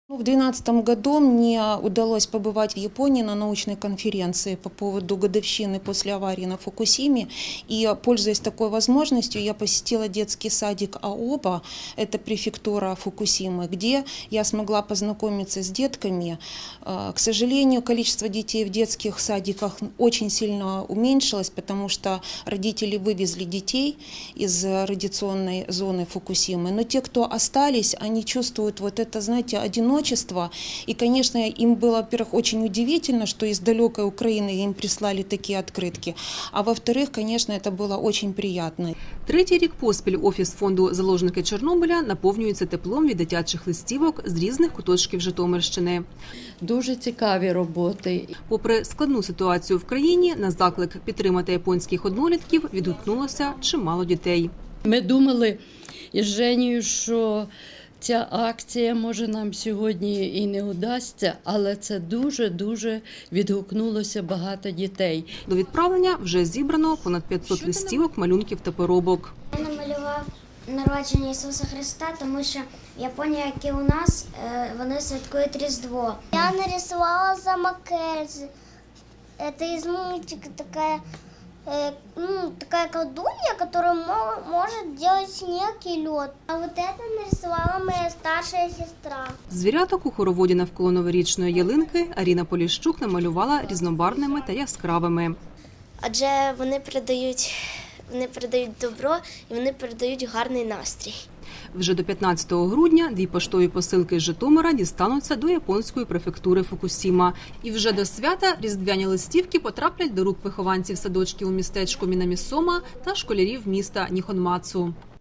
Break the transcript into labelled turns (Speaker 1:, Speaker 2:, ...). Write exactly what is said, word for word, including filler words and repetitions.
Speaker 1: В две тысячи двенадцатом году мне удалось побывать в Японии на научной конференции по поводу годовщины после аварии на Фукусиме. И, пользуясь такой возможностью, я посетила детский садик Аоба, это префектура Фукусимы, где я смогла познакомиться с детками. К сожалению, количество детей в детских садиках очень сильно уменьшилось, потому что родители вывезли детей из радиационной зоны Фукусимы. Но те, кто остались, они чувствуют вот это, знаете, одиночество. И, конечно, им было, во-первых, очень удивительно, что из далекой Украины им прислали такие открытки. А во-вторых, конечно, это было очень приятно.
Speaker 2: Третій рік поспіль Офіс фонду «Заложники Чорнобиля» наповнюється теплом від дитячих листівок з різних куточків Житомирщини.
Speaker 3: Дуже цікаві роботи.
Speaker 2: Попри складну ситуацію в країні, на заклик підтримати японських однолітків відгукнулося чимало дітей.
Speaker 3: Ми думали із Женєю, що ця акція, може, нам сьогодні і не удасться, але це дуже-дуже відгукнулося багато дітей.
Speaker 2: До відправлення вже зібрано понад п'ятсот листівок, малюнків та поробок.
Speaker 4: Я намалював народження Ісуса Христа, тому що в Японії, як і у нас, вони святкують Різдво.
Speaker 5: Я нарисувала замокез. Це із мультика така, ну, такая колдунья, которая может делать снег и лед. А вот это нарисовала моя старшая сестра.
Speaker 2: Звіряток у хороводі навколо новорічної ялинки Аріна Поліщук намалювала різнобарвними та яскравими.
Speaker 4: Адже вони передають, вони передають добро і вони передають гарний настрій.
Speaker 2: Вже до п'ятнадцятого грудня дві поштові посилки з Житомира дістануться до японської префектури Фукусіма. І вже до свята різдвяні листівки потраплять до рук вихованців садочків у містечку Мінамісома та школярів міста Ніхонмацу.